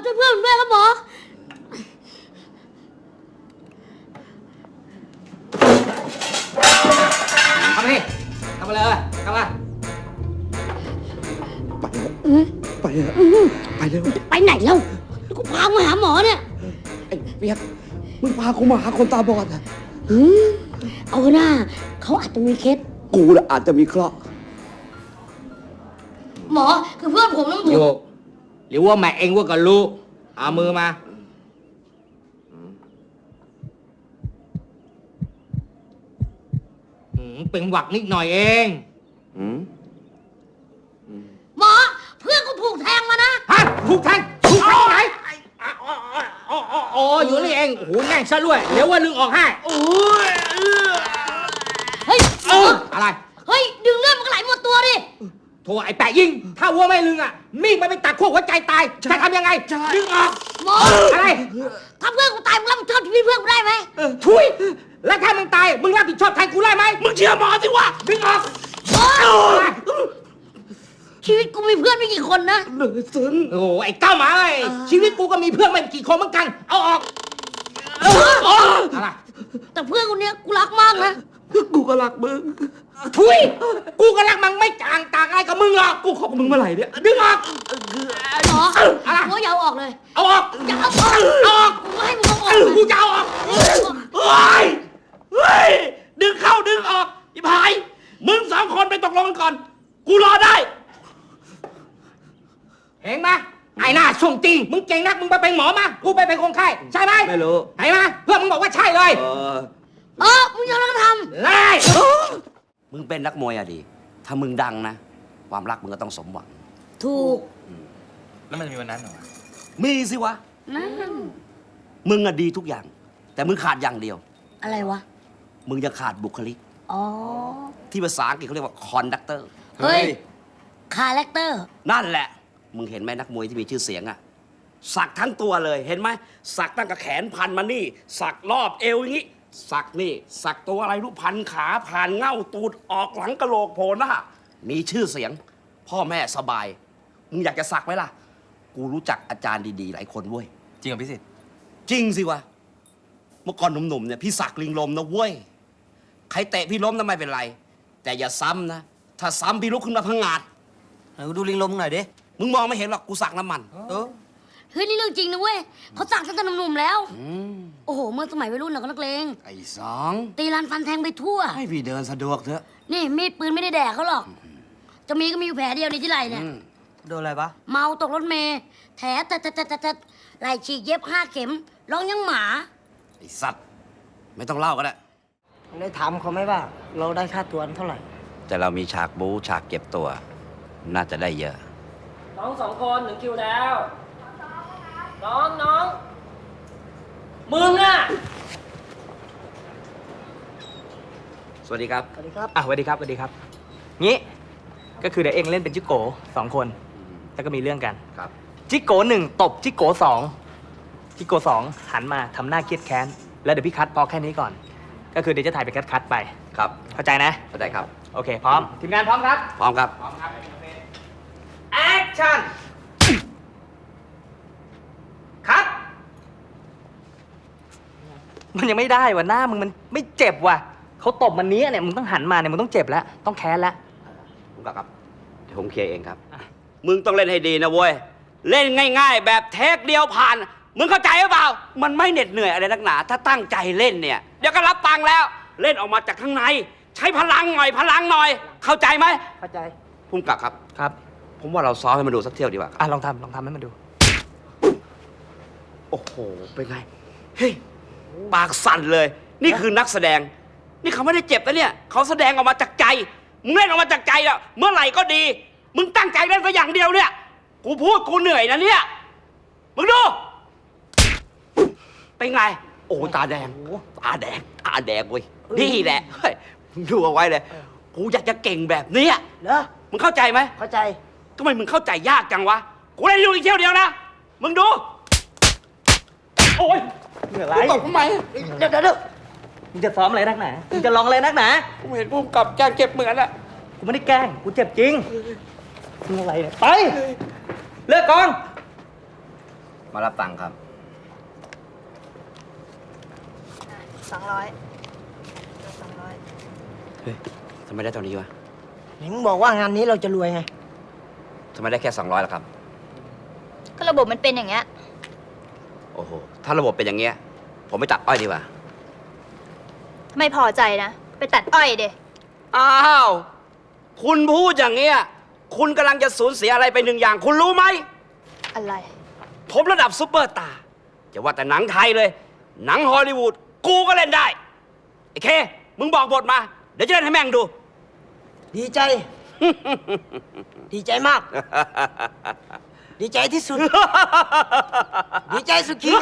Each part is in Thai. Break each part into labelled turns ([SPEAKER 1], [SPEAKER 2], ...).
[SPEAKER 1] ช่วยเพื่อนด้วยครับหมอ
[SPEAKER 2] เข้ามาดิเข้ามาเลยเข้ามา
[SPEAKER 3] ไปเถอะไปเร็ว
[SPEAKER 1] ไปไหนแล้วกูพามาหาหมอเนี่ย
[SPEAKER 3] ไอ้เปียกมึงพากูมาหาคนตาบอดอะ
[SPEAKER 1] เอาหน้าเขาอาจจะมีเคส
[SPEAKER 3] กูน่ะอาจจะมีเคราะห์
[SPEAKER 1] หมอคือเพื่อนผมน้ำถู
[SPEAKER 2] โย
[SPEAKER 1] ก
[SPEAKER 2] กหรือว่าแม่เองว่าก็รู้เอามือมาเป็นหวักนิดหน่อยเอง
[SPEAKER 1] หมอเพื่อนกูถูกแทงมานะ
[SPEAKER 2] ฮะถูกแทงถูกแทงที่ไหนอ๋ออยู่นี่เองโอ้โหแน่งซะด้วยเดี๋ยวว่าลึงออกให้โอ้ย
[SPEAKER 1] เฮ้ยหมอ
[SPEAKER 2] อะไร
[SPEAKER 1] เฮ้ยดึงเลือดมันก็ไหลหมดตัวดิ
[SPEAKER 2] โถไอ้แปะยิง ถ้าวัวไม่ลึงอ่ะมีดมันไปตัดขั้วหัวใจตายจะทำยังไงดึงออก
[SPEAKER 1] หมอ
[SPEAKER 2] อะไร
[SPEAKER 1] ถ้าเพื่อนกูตายมึงรับผิดชอบชีวิตเพื่อนกูได้ไหม
[SPEAKER 2] ทุยแล้วถ้ามึงตายมึงรับผิดชอบแทนกูได้ไหมมึงเชื่อหมอสิวะดึงออก
[SPEAKER 1] หมอชีวิตกูมีเพื่อนไม่กี่คนนะ
[SPEAKER 3] เหลือซึ้ง
[SPEAKER 2] โอ้โหไอ้เก้าหมาไอ้ชีวิตกูก็มีเพื่อนไม่กี่คนเหมือนกันเอาออกอะไร
[SPEAKER 1] แต่เพื่อนคนเนี้ยกูรักมากนะ
[SPEAKER 3] กูก็รักมึง
[SPEAKER 2] ทุยกูก็รักมึงไม่ต่างอะไรกับมึงหรอก
[SPEAKER 3] กูขอบมึงเมื่อไหร่เนี่ย
[SPEAKER 2] ดึงออก
[SPEAKER 1] หมอ
[SPEAKER 2] อะไร
[SPEAKER 1] หมออย่าเอาออกเลย
[SPEAKER 2] เอาออก
[SPEAKER 1] อย่าเอาออก
[SPEAKER 2] เอาออก
[SPEAKER 1] กูไม่ให้มึงเอาออก
[SPEAKER 2] กูจะเอาออก
[SPEAKER 4] เฮ้ย เฮ้ย ดึงเข้าดึงออกอีพาย มึงสองคนไปตกลงกันก่อน กูรอได้
[SPEAKER 2] เห็นไหมไอ้หน้าช่วงจริงมึงเก่งนักมึงไปเป็นหมอมากูไปเป็นคนไข้ใช่ไหม
[SPEAKER 3] ไม่รู้
[SPEAKER 2] เห็นไหมเพื่อนมึงบอกว่าใช่เลย
[SPEAKER 1] มึงอย่าลังท
[SPEAKER 2] ไล่
[SPEAKER 4] มึงเป็นนักมวยอะดี ถ้ามึงดังนะ ความรักมึงก็ต้องสมหวัง
[SPEAKER 1] ำถูก
[SPEAKER 5] แล้วมันจะมีวันนั้นเหรอวะ
[SPEAKER 4] มีสิวะ
[SPEAKER 1] นั่น
[SPEAKER 4] มึงอะดีทุกอย่าง แต่มึงขาดอย่างเดียว
[SPEAKER 1] อะไรวะ
[SPEAKER 4] มึงจะขาดบุคลิก
[SPEAKER 1] อ๋อ
[SPEAKER 4] ที่ภาษาอังกฤษเขาเรียกว่าคอนดักเตอร์
[SPEAKER 1] เฮ้ย คาแรคเตอร์
[SPEAKER 4] นั่นแหละ มึงเห็นไหมนักมวยที่มีชื่อเสียงอะสักทั้งตัวเลย เห็นไหม สักตั้งแต่แขนพันมานี่ สักรอบเอวอย่างนี้ สักนี่ สักตัวอะไรรู้พันขาผ่านเง่าตูดออกหลังกะโหลกโผล่หน้า มีชื่อเสียง พ่อแม่สบาย มึงอยากจะสักไหมล่ะ กูรู้จักอาจารย์ดีๆ หลายคนเว้ย
[SPEAKER 5] จริงเหรอพี่สิทธิ์
[SPEAKER 4] จริงสิวะ เมื่อก่อนหนุ่มๆเนี่ยพี่สักลิงลมนะเว้ย ใครเตะพี่ล้มนะไม่เป็นไร แต่อย่าซ้ำนะ ถ้าซ้ำพี่ลุกขึ้นมาพังงาด
[SPEAKER 5] ไหนดูลิงลมหน่อยดิ
[SPEAKER 4] มึงมองไม่เห็นหรอกกูสักน้ำมัน
[SPEAKER 1] เฮ้ย นี่เรื่องจริงนะเว้ยเขาสั่งตั้งแต่หนุ่มๆแล้ว โอ้โห เมื่อสมัยวัยรุ่นเราก็นักเลง
[SPEAKER 4] ไอ้สอง
[SPEAKER 1] ตีรันฟันแทงไปทั่ว
[SPEAKER 4] ให้พี่เดินสะดวกเถอะ
[SPEAKER 1] นี่มีดปืนไม่ได้แดกเขาหรอก จะมีก็มีอยู่แผลเดียวในที่ไหล่เนี่ย
[SPEAKER 5] โดนอะไรปะ
[SPEAKER 1] เมาตกรถเมล์แผลแต่ไหล่ฉีกเย็บ5 เข็ม ร้องยังหมา
[SPEAKER 4] ไอ้สัตว์ ไม่ต้องเล่าก็ได้
[SPEAKER 6] ได้ถามเขาไหมว่า เราได้ค่าตัวเท่าไหร่
[SPEAKER 4] แต่เรามีฉากบู๊ฉากเก็บตัว น่าจะได้เยอะ
[SPEAKER 7] น้อง2 คนถึงคิวแล้ว น้อง มึงอ่ะ
[SPEAKER 4] สวัสดีครับ
[SPEAKER 6] สวัสดีครับ
[SPEAKER 7] สวัสดีครับ สวัสดีครับ งี้ ก็คือเดี๋ยวเองเล่นเป็นจิโก2 คน แล้วก็มีเรื่องกัน
[SPEAKER 4] ครับ
[SPEAKER 7] จิโก1ตบจิโก2จิโก2หันมาทำหน้าเครียดแค้น แล้วเดี๋ยวพี่คัดพอแค่นี้ก่อน ก็คือเดี๋ยวจะถ่ายเป็นคัดไป
[SPEAKER 4] ครับ
[SPEAKER 7] เข้าใจนะ
[SPEAKER 4] เข้าใจครับ
[SPEAKER 7] โอเค พร้อม ทีมงานพร้อมครับ
[SPEAKER 4] พร้อมครับ
[SPEAKER 7] แอคชั่น คัด มันยังไม่ได้ว่ะหน้ามึงมันไม่เจ็บว่ะเขาตบมันนี้เนี่ยมึงต้องหันมาเนี่ยมึงต้องเจ็บแล้ว ต้องแค้นแล้ว
[SPEAKER 4] ผมครับ เดี๋ยวผมเคลียร์เองครับ มึงต้องเล่นให้ดีนะเว้ย เล่นง่ายๆ แบบเทคเดียวผ่าน มึงเข้าใจหรือเปล่า มันไม่เหน็ดเหนื่อยอะไรนักหนา ถ้าตั้งใจเล่นเนี่ย เดี๋ยวก็รับตังค์แล้ว เล่นออกมาจากข้างใน ใช้พลังหน่อย เข้าใจไหม
[SPEAKER 6] เข้าใจ
[SPEAKER 4] พุ่มกลับครับ
[SPEAKER 7] ครับ
[SPEAKER 4] ผมว่าเราซ้อมให้มันดูสักเที่ยวดีกว่าครับ
[SPEAKER 7] ลองทำให้มันดู
[SPEAKER 4] โอ้โห เป็นไง เฮ้ย ปากสั่นเลย นี่คือนักแสดง นี่เขาไม่ได้เจ็บนะเนี่ย เขาแสดงออกมาจากใจ มึงเล่นออกมาจากใจแล้วเมื่อไหร่ก็ดี มึงตั้งใจเล่นสักอย่างเดียวเนี่ย กูพูดกูเหนื่อยนะเนี่ย มึงดู เป็นไง โอ้ตาแดง ตาแดงเว้ย นี่แหละ เฮ้ย มึงดูเอาไว้เลย กูอยากจะเก่งแบบเนี้ย
[SPEAKER 6] เหรอ
[SPEAKER 4] มึงเข้าใจไหม
[SPEAKER 6] เข้าใจ
[SPEAKER 4] ทำไมมึงเข้าใจยากจังวะ กูเล่นอยู่อีกเที่ยวเดียวนะ มึงดู โอ้ย
[SPEAKER 7] เหนื่อยไร
[SPEAKER 4] ตบทำไม
[SPEAKER 6] เดี๋ยว
[SPEAKER 7] มึงจะซ้อมอะไรนักหนามึงจะลองอะไรนักหนา
[SPEAKER 4] ผมเห็นพุ่มกับแกเจ็บเหมือนอะ
[SPEAKER 7] กูไม่ได้แกล้ง กูเจ็บจริงมึงอะไรเนี่ย ไป เลิกกอง
[SPEAKER 5] มารับตังค์ครับ
[SPEAKER 8] 200
[SPEAKER 4] เฮ้ยทำไมได้เท่านี้วะ
[SPEAKER 6] ไหนมึงบอกว่างานนี้เราจะรวยไง
[SPEAKER 4] ทำไมได้แค่200ล่ะครับ
[SPEAKER 8] ก็ระบบมันเป็นอย่างเงี้ย
[SPEAKER 4] โอ้โห ถ้าระบบเป็นอย่างเงี้ย ผมไปตัดอ้อยดีกว่า
[SPEAKER 8] ไม่พอใจนะ ไปตัดอ้อยเด
[SPEAKER 4] อ้าว คุณพูดอย่างเงี้ย คุณกำลังจะสูญเสียอะไรไปหนึ่งอย่าง คุณรู้ไหม
[SPEAKER 8] อะไร
[SPEAKER 4] ผมระดับซุปเปอร์สตาร์จะว่าแต่หนังไทยเลย หนังฮอลลีวูด กูก็เล่นได้ ไอ้เค มึงบอกบทมา เดี๋ยวจะเล่นให้แม่งดู
[SPEAKER 6] ดีใจ ดีใจมาก ดีใจที่สุด ดีใจสุดขีด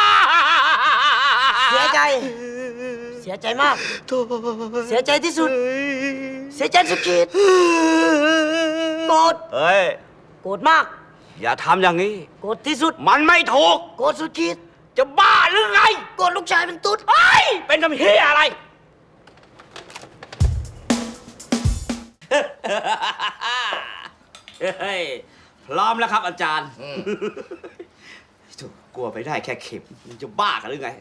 [SPEAKER 6] เสียใจ เสียใจมาก เสียใจที่สุด เสียใจสุดขีด โกรธ
[SPEAKER 4] เฮ้ย
[SPEAKER 6] โกรธมาก
[SPEAKER 4] อย่าทำอย่างนี้
[SPEAKER 6] โกรธที่สุด
[SPEAKER 4] มันไม่ถูก
[SPEAKER 6] โกรธสุดขีด
[SPEAKER 4] จะบ้าหรือไง
[SPEAKER 6] โกรธลูกชายเป็นตุ๊ด
[SPEAKER 4] เฮ้ย เป็นทำเฮียอะไร เฮ้ย พร้อมแล้วครับอาจารย์ถูกกลัวไปได้แค่เข็มมันจะบ้ากันหรือไง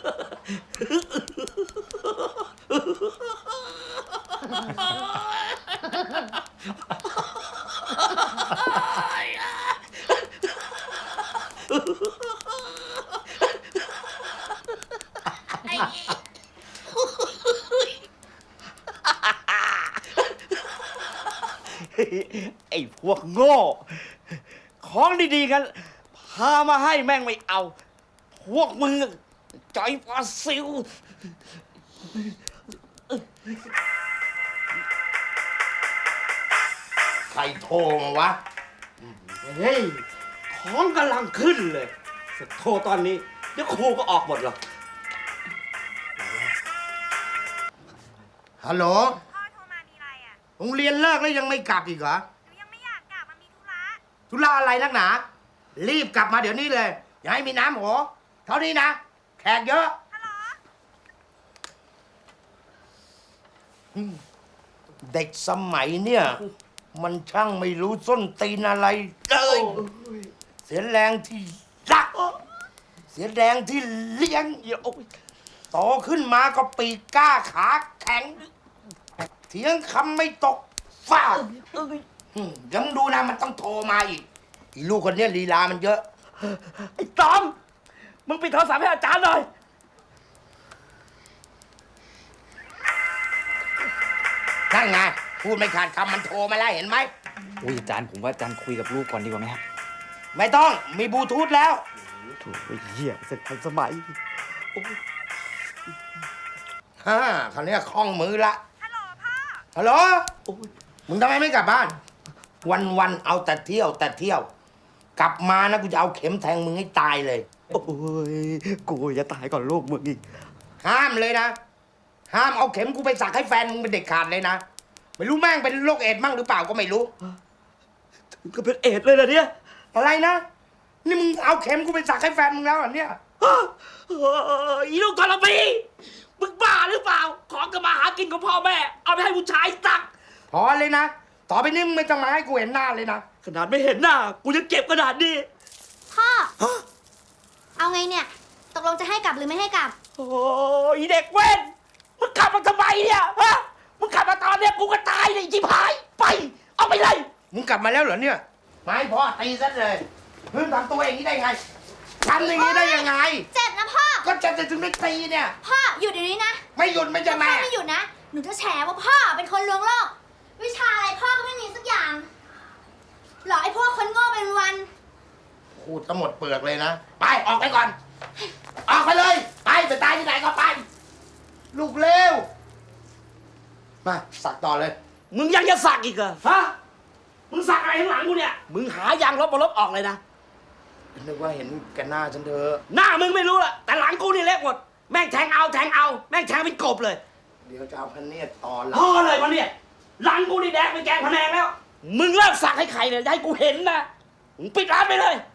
[SPEAKER 4] ไอ้พวกโง่ ของดีๆกัน พามาให้แม่งไม่เอา พวกมึงใจปลาซิว
[SPEAKER 9] ใครโทรมาวะ
[SPEAKER 4] เฮ้ย ของกำลังขึ้นเลยจะโทรตอนนี้ เดี๋ยวครูก็ออกหมดหรอก
[SPEAKER 9] ฮัลโหล
[SPEAKER 8] พ่อโทรมามีอะไรอ่ะ
[SPEAKER 9] โรงเรียนเลิกแล้วยังไม่กลับอีกเหรอ
[SPEAKER 8] หนูยังไม่อยากกลับมันมีธุระ
[SPEAKER 9] ธุระอะไรนักหนา รีบกลับมาเดี๋ยวนี้เลย อย่าให้มีน้ำหัวเท่านี้นะ แขกเยอะ
[SPEAKER 8] ฮัลโหล
[SPEAKER 9] เด็กสมัยเนี่ย มันช่างไม่รู้ส้นตีนอะไรเลย เสียแรงที่รัก เสียแรงที่เลี้ยงโตขึ้นมาก็ปีกกล้าขาแข็ง เถียงคำไม่ตกฟาดเดี๋ยวมึงดูนะ มันต้องโทรมาอีกอีลูกคนเนี้ยลีลามันเยอะ
[SPEAKER 4] ไอ้ตอม มึงปิดโทรศัพท์ให้อาจารย์หน่อย
[SPEAKER 9] นั่นไง พูดไม่ขาดคำมันโทรมาแล้วเห็นไหม
[SPEAKER 7] อุ้ยอาจารย์ผมว่าอาจารย์คุยกับลูกก่อนดีกว่าไหมครับ
[SPEAKER 9] ไม่ต้องมีบลูทูธแล้ว
[SPEAKER 7] ถูกเหี้ยเสร็จทันสมัย
[SPEAKER 9] ฮ่าคราวเนี้ยคล่องมือละ
[SPEAKER 8] ฮัลโหลพ่อ
[SPEAKER 9] ฮัลโหลมึงทำไมไม่กลับบ้าน วันๆเอาแต่เที่ยวแต่เที่ยว กลับมานะกูจะเอาเข็มแทงมึงให้ตายเลย
[SPEAKER 7] โอ้ยกูจะตายก่อนลูกมึงอีก
[SPEAKER 9] ห้ามเลยนะ ห้ามเอาเข็มกูไปสักให้แฟนมึงเป็นเด็กขาดเลยนะ ไม่รู้แม่งเป็นโรคเอดส์มั่งหรือเปล่าก็ไม่รู้
[SPEAKER 4] ก็เป็นเอดเลยนะเนี่ย
[SPEAKER 9] อะไรนะ นี่มึงเอาเข็มกูไปสักให้แฟนมึงแล้วเหรอเนี่ย
[SPEAKER 4] อีลูกกอลปีมึงบ้าหรือเปล่า ของก็มาหากินของพ่อแม่ เอาไปให้ผู้ชายสัก
[SPEAKER 9] พอเลยนะ ต่อไปนี้มึงไม่ต้องมาให้กูเห็นหน้าเลยนะ
[SPEAKER 4] ขนาดไม่เห็นหน้า กูยังเก็บขนาดนี้
[SPEAKER 1] พ่อ เอาไงเนี่ย ตกลงจะให้กลับหรือไม่ให้กลับ
[SPEAKER 4] โอ้ยเด็กเว้น มึงกลับมาทำไมเนี่ยฮะ มึงกลับมาตอนเนี้ยกูก็ตายเลยจิบหาย ไป เอาไปเลย
[SPEAKER 9] มึงกลับมาแล้วเหรอเนี่ย ไม่พอตีซะเลยเพิ่งทำตัวอย่างนี้ได้ไงทำอย่างนี้ได้ยังไง
[SPEAKER 1] เจ็บนะพ่อ
[SPEAKER 9] ก็จะถึงได้ตีเนี่ย
[SPEAKER 1] พ่อหยุดเดี๋ยวนี้นะ
[SPEAKER 9] ไม่หยุดไม่จะ
[SPEAKER 1] พ่
[SPEAKER 9] แม่
[SPEAKER 1] อไม่หยุดนะ หนูจะแฉว่าพ่อเป็นคนลวงโลก วิชาอะไรพ่อก็ไม่มีสักอย่าง หลอกไอ้พวกคนโง่เป็นวัน
[SPEAKER 9] พูดทั้งหมดเปลือกเลยนะ ไปออกไปก่อน ออกไปเลย ไปตายที่ไหนก็ไป ลูกเลวมาสักต่อเลย
[SPEAKER 4] มึงยังจะสักอีกเหรอฮะ มึงสักอะไรข้างหลังกูเนี่ย มึงหายางลบมาลบออกเลยนะ
[SPEAKER 9] นึกว่าเห็นกันหน้าฉันเถอะ
[SPEAKER 4] หน้ามึงไม่รู้ละแต่หลังกูนี่เล็กหมด แม่งแทงเอา แม่งแทงเป็นกบเลย
[SPEAKER 9] เดี๋ยวจะเอาพเนียดตอนหลั
[SPEAKER 4] พอเลยมันเนี่ย หลังกูนี่แดงเป็นแกงพะแนงแล้ว มึงเลิกสักให้ใครเนี่ยอย่าให้กูเห็นนะ มึงปิดร้านไปเลย